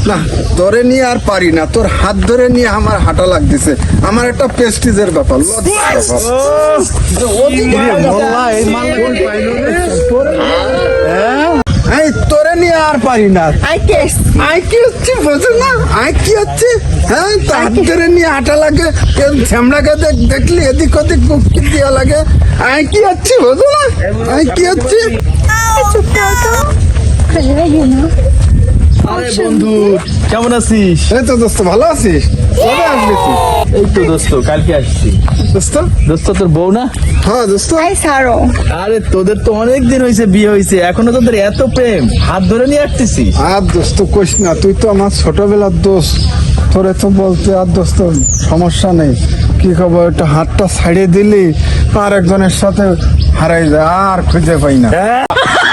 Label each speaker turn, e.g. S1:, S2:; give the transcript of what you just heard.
S1: না তোরে নিয়ে আর পারি না, তোর হাত ধরে নিয়ে আমার হাঁটা লাগতেছে, আমার একটা প্রেস্টিজের ব্যাপার, লজ্জার ব্যাপার। এই তোরে নিয়ে আর পারি না। আই কি হচ্ছে বোঝো না, আই কি হচ্ছে? হ্যাঁ, তো হাত ধরে নিয়ে হাঁটা লাগে, ঝামড়াকে দেখলি এদিক ওদিক বুকি দেওয়া লাগে। আই কি হচ্ছে বোঝো না, আই কি হচ্ছে?
S2: আরে বন্ধু কেমন আছিস?
S1: এই তো দোস্ত, ভালো আছিস? কবে আসবি তুই?
S2: এই তো দোস্ত কালকে আসছি।
S1: দোস্ত?
S2: দোস্ত তোর বউ না?
S1: হ্যাঁ দোস্ত।
S2: আরে তোদের তো অনেক দিন হয়েছে বিয়ে হয়েছে, এখনো তোদের এত প্রেম, হাত ধরে নিয়ে আসতেছিস?
S1: আর দোস্ত কইস না, তুই তো আমার ছোটবেলার দোস্ত, তোরে তো বলতে আর দোস্ত সমস্যা নেই। কি খবর, একটা হাতটা ছাড়িয়ে দিলি আর একজনের সাথে হারাই যায়, আর খুঁজে পাই না।